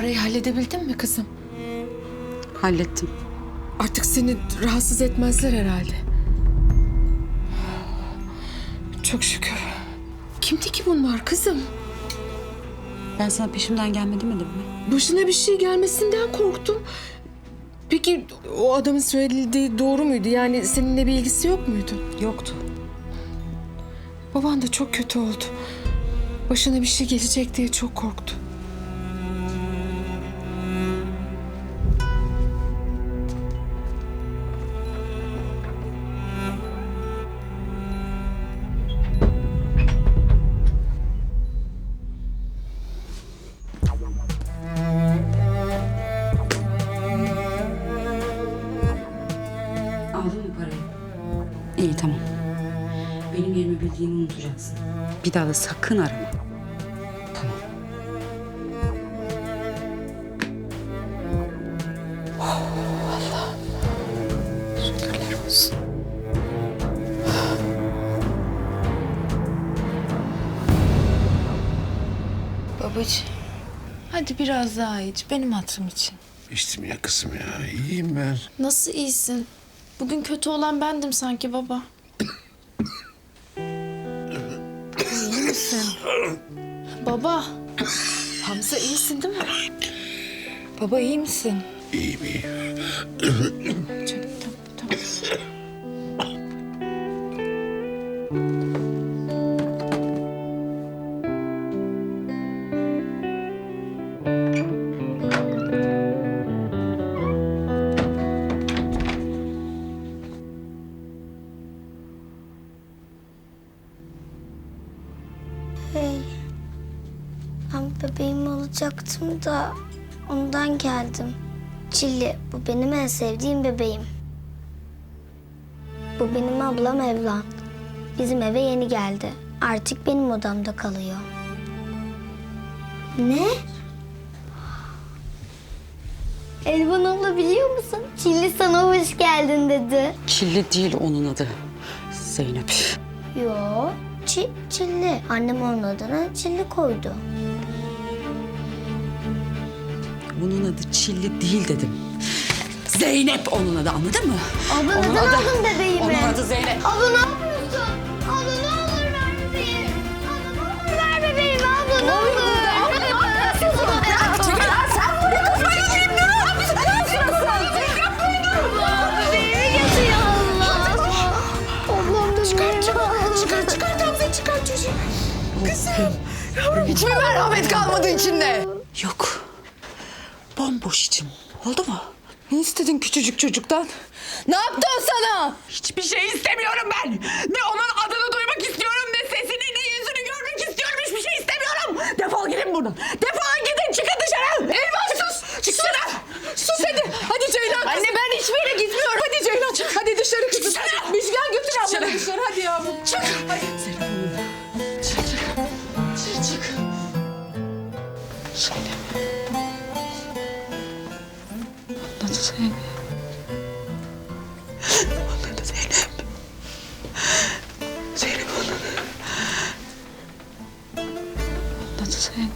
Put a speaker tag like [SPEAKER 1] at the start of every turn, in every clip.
[SPEAKER 1] Parayı halledebildin mi kızım?
[SPEAKER 2] Hallettim.
[SPEAKER 1] Artık seni rahatsız etmezler herhalde. Çok şükür. Kimdi ki bunlar kızım?
[SPEAKER 2] Ben sana peşimden gelme demedim mi?
[SPEAKER 1] Başına bir şey gelmesinden korktum. Peki o adamın söylediği doğru muydu? Yani seninle bir ilgisi yok muydu?
[SPEAKER 2] Yoktu.
[SPEAKER 1] Baban da çok kötü oldu. Başına bir şey gelecek diye çok korktu.
[SPEAKER 2] Aldın mı parayı? İyi, tamam. Benim yerimi bildiğini unutacaksın. Bir daha da sakın arama. Tamam.
[SPEAKER 1] Şükürler olsun.
[SPEAKER 3] Babacığım, hadi biraz daha iç benim hatırım için.
[SPEAKER 4] İçtim ya kızım ya. İyiyim ben.
[SPEAKER 5] Nasıl iyisin? Bugün kötü olan bendim sanki baba.
[SPEAKER 3] İyi misin?
[SPEAKER 5] Baba,
[SPEAKER 1] Hamza iyisin değil mi?
[SPEAKER 3] Baba iyi misin?
[SPEAKER 4] İyiyim iyiyim.
[SPEAKER 1] Canım, tamam.
[SPEAKER 6] Ben bebeğim olacaktım da ondan geldim. Çilli, bu benim en sevdiğim bebeğim. Bu benim ablam Evlan. Bizim eve yeni geldi. Artık benim odamda kalıyor. Ne? Elvan abla biliyor musun? Çilli sana hoş geldin dedi.
[SPEAKER 2] Çilli değil onun adı. Zeynep.
[SPEAKER 6] Yo, Çilli. Annem onun adına Çilli koydu.
[SPEAKER 2] Onun adı Çilli değil dedim. Zeynep onun adı, anladın mı?
[SPEAKER 6] Abla
[SPEAKER 2] Onun
[SPEAKER 6] neden
[SPEAKER 2] adı-
[SPEAKER 6] aldın bebeğimi?
[SPEAKER 2] Onun adı Zeynep.
[SPEAKER 6] Abla ne yapıyorsun? Abla ne olur ver bebeğimi. Abla ne olur ver bebeğimi. Abla ne olur. Abla ne yapıyorsun?
[SPEAKER 2] Çekil lan sen buraya kafayı yiyeyim. Ne yapıyorsun? Ne yapıyorsun?
[SPEAKER 6] Abla bebeğimi getiriyor Allah. Ablam da
[SPEAKER 1] Çıkar Hamza çıkar çocuğu.
[SPEAKER 3] Hiç mi merhamet kalmadı içinde?
[SPEAKER 2] Yok. Bomboş içim. Oldu mu?
[SPEAKER 3] Ne istedin küçücük çocuktan? Ne yaptı o sana?
[SPEAKER 7] Hiçbir şey istemiyorum ben. Ne onun adını duymak istiyorum, ne sesini, ne yüzünü görmek istiyorum. Hiçbir şey istemiyorum. Defol gidin buradan. Defol gidin, çıkın dışarı. Elvan sus. Çıksana. Sus hadi. Hadi Ceylan. Anne ben hiçbir yere gitmiyorum. Hadi Ceylan çık. Hadi dışarı kızım. Müjgan götür ablanı dışarı. Hadi yavrum. Çık. Hadi. Çık. Çık.
[SPEAKER 2] Zeynep. Onun adı Zeynep. Onun adı Zeynep. Zeynep onun adı. Onun adı Zeynep.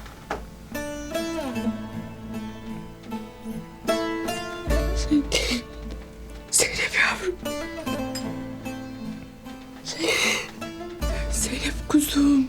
[SPEAKER 2] Zeynep.
[SPEAKER 1] Zeynep yavrum. Zeynep kuzum.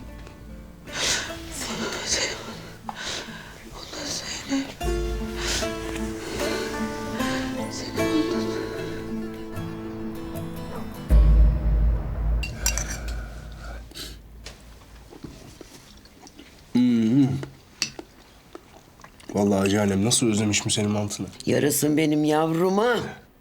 [SPEAKER 8] Vallahi Hacı annem nasıl özlemişim senin mantını.
[SPEAKER 9] Yarasın benim yavruma.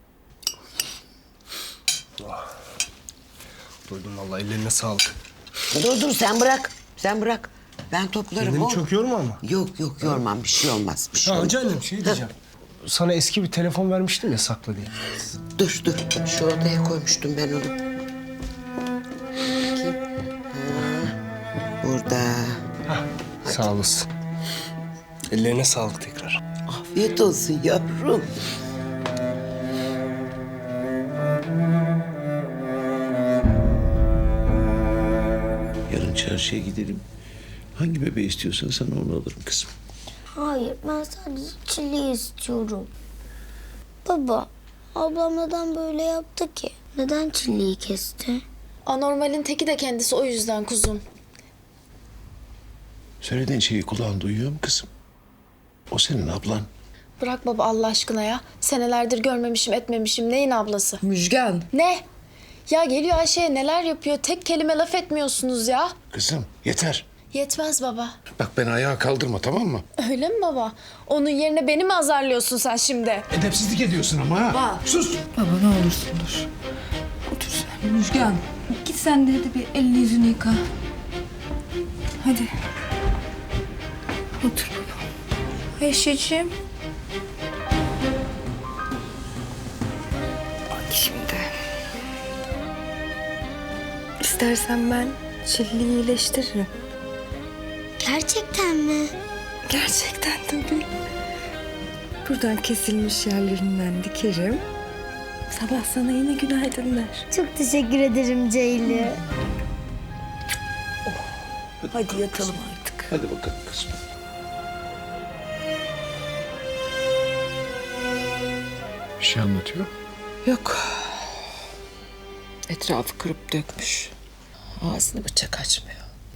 [SPEAKER 8] Doydum vallahi, ellerine sağlık.
[SPEAKER 9] Dur sen bırak. Sen bırak. Ben toplarım.
[SPEAKER 8] Kendini
[SPEAKER 9] o.
[SPEAKER 8] çok yorma ama.
[SPEAKER 9] Yok yormam, bir şey olmaz. Bir şey
[SPEAKER 8] Ya
[SPEAKER 9] olmaz.
[SPEAKER 8] Hacı annem şey diyeceğim. Sana eski bir telefon vermiştim ya, sakla diye.
[SPEAKER 9] Dur. Şu odaya koymuştum ben onu. Bakayım. Ha, burada.
[SPEAKER 8] Sağ olasın. Ellerine sağlık tekrar.
[SPEAKER 9] Afiyet olsun yavrum.
[SPEAKER 4] Yarın çarşıya gidelim. Hangi bebeği istiyorsan sana onu alırım kızım.
[SPEAKER 6] Hayır, ben sadece çileği istiyorum. Baba, ablam neden böyle yaptı ki? Neden çileği kesti?
[SPEAKER 5] Anormalin teki de kendisi, o yüzden kuzum.
[SPEAKER 4] Söylediğin şeyi kulağın duyuyor mu kızım? O senin ablan.
[SPEAKER 5] Bırak baba Allah aşkına ya. Senelerdir görmemişim etmemişim. Neyin ablası?
[SPEAKER 2] Müjgan.
[SPEAKER 5] Ne? Ya geliyor Ayşe'ye neler yapıyor. Tek kelime laf etmiyorsunuz ya.
[SPEAKER 4] Kızım yeter.
[SPEAKER 5] Yetmez baba.
[SPEAKER 4] Bak beni ayağa kaldırma, tamam mı?
[SPEAKER 5] Öyle mi baba? Onun yerine beni mi azarlıyorsun sen şimdi?
[SPEAKER 4] Edepsizlik ediyorsun ama ha. Sus.
[SPEAKER 2] Baba ne olursun dur. Otur sen. Müjgan git sen de hadi bir elini yüzünü yıka. Hadi. Otur baba. Ayşe'cim. Bak şimdi. İstersen ben Çilli'yi iyileştiririm.
[SPEAKER 6] Gerçekten mi?
[SPEAKER 2] Gerçekten tabii. Buradan kesilmiş yerlerinden dikerim. Sabah sana yine günaydın der.
[SPEAKER 6] Çok teşekkür ederim Ceyli.
[SPEAKER 2] Hadi yatalım artık.
[SPEAKER 4] Hadi bakalım kızım. Bir şey anlatıyor.
[SPEAKER 1] Yok. Etrafı kırıp dökmüş. Ağzını bıçak açmıyor.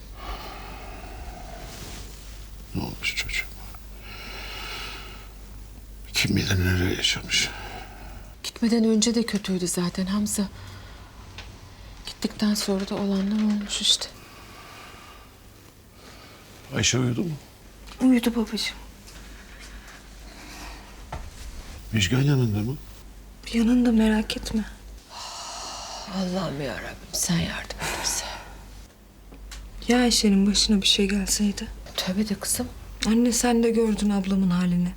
[SPEAKER 4] Ne olmuş çocuğum? Kim bilir neler yaşamış.
[SPEAKER 1] Gitmeden önce de kötüydü zaten Hamza. Gittikten sonra da olanlar olmuş işte.
[SPEAKER 4] Ayşe uyudu mu?
[SPEAKER 2] Uyudu babacığım.
[SPEAKER 4] Müjgan yanında mı?
[SPEAKER 2] Yanında merak etme.
[SPEAKER 1] Allah'ım yarabbim sen yardım et bize.
[SPEAKER 2] Ya Ayşe'nin başına bir şey gelseydi?
[SPEAKER 1] Tövbe de kızım.
[SPEAKER 2] Anne sen de gördün ablamın halini.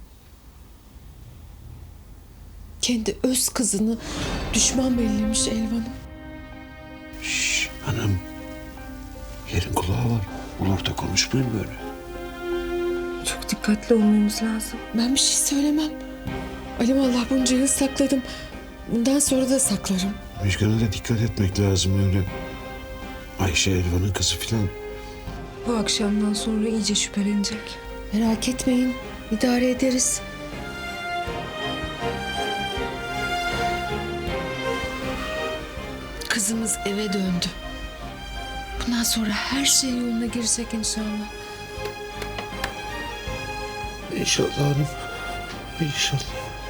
[SPEAKER 1] Kendi öz kızını düşman bellemiş Elvan'ım.
[SPEAKER 4] Şşş hanım. Yerin kulağı var. Olur da konuşmayın böyle.
[SPEAKER 2] Çok dikkatli olmamız lazım.
[SPEAKER 1] Ben bir şey söylemem. Alimallah bunca yıl sakladım. Bundan sonra da saklarım.
[SPEAKER 4] Müjgan'a da dikkat etmek lazım öyle. Ayşe Elvan'ın kızı filan.
[SPEAKER 2] Bu akşamdan sonra iyice şüphelenecek.
[SPEAKER 1] Merak etmeyin. İdare ederiz. Kızımız eve döndü. Bundan sonra her şey yoluna girecek inşallah.
[SPEAKER 4] İnşallah hanım. İnşallah.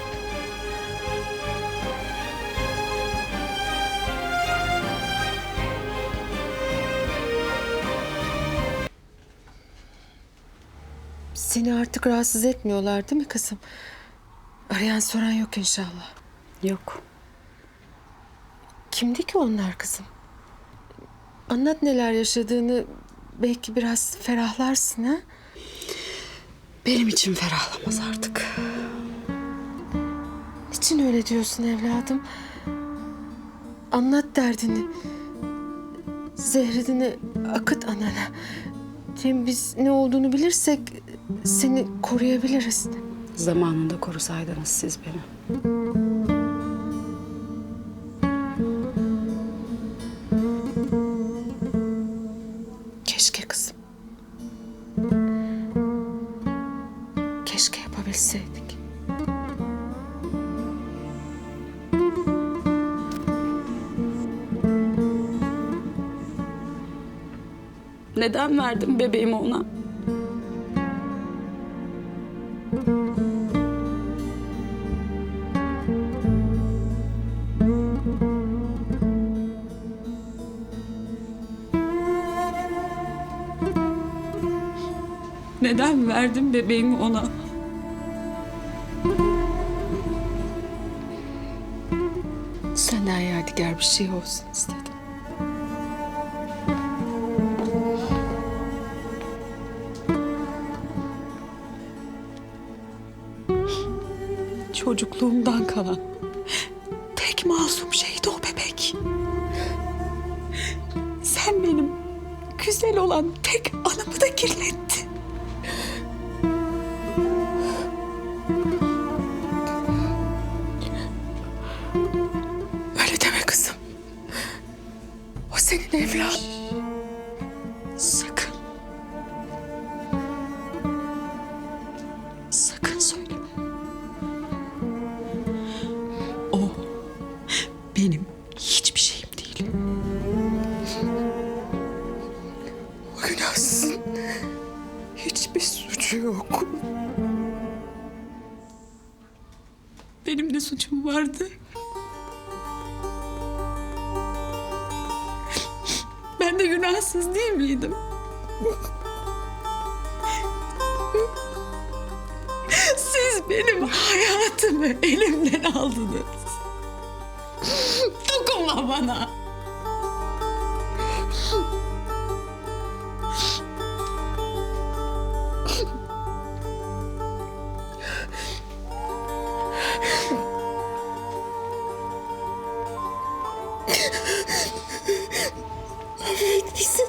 [SPEAKER 1] Seni artık rahatsız etmiyorlar değil mi kızım? Arayan soran yok inşallah.
[SPEAKER 2] Yok.
[SPEAKER 1] Kimdi ki onlar kızım? Anlat neler yaşadığını. Belki biraz ferahlarsın ha?
[SPEAKER 2] Benim için ferahlamaz artık.
[SPEAKER 1] Niçin öyle diyorsun evladım? Anlat derdini. Zehredini akıt anana. Hem biz ne olduğunu bilirsek seni koruyabiliriz.
[SPEAKER 2] Zamanında korusaydınız siz beni.
[SPEAKER 1] Keşke kızım. Keşke yapabilseydik.
[SPEAKER 2] Neden verdim bebeğimi ona? Neden verdim bebeğimi ona?
[SPEAKER 1] Senden yadigar bir şey olsun istedim.
[SPEAKER 7] Çocukluğumdan kalan tek masum şeydi o bebek. Sen benim güzel olan tek anımı da kirlettin.
[SPEAKER 1] Öyle deme kızım. O senin evladın.
[SPEAKER 7] Sakın. değil. O günahsızın hiçbir suçu yok. Benim de suçum vardı. Ben de günahsız değil miydim? Siz benim hayatımı elimden aldınız. Dokunma bana. Affet bizi.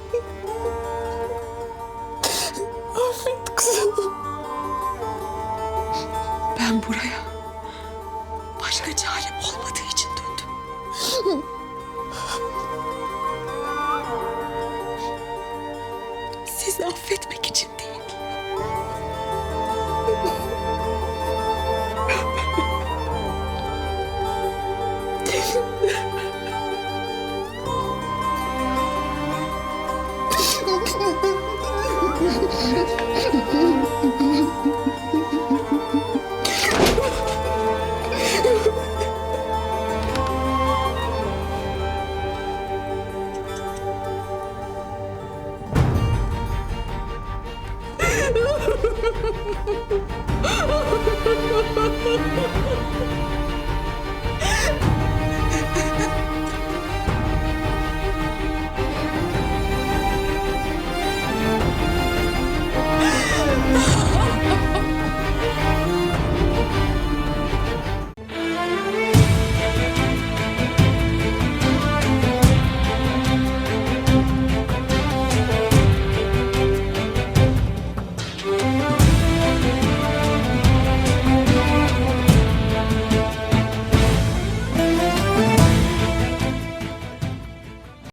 [SPEAKER 7] Affet kızım. Ben buraya başka çarem olmadığı için döndüm. Sizi affetmek için değil.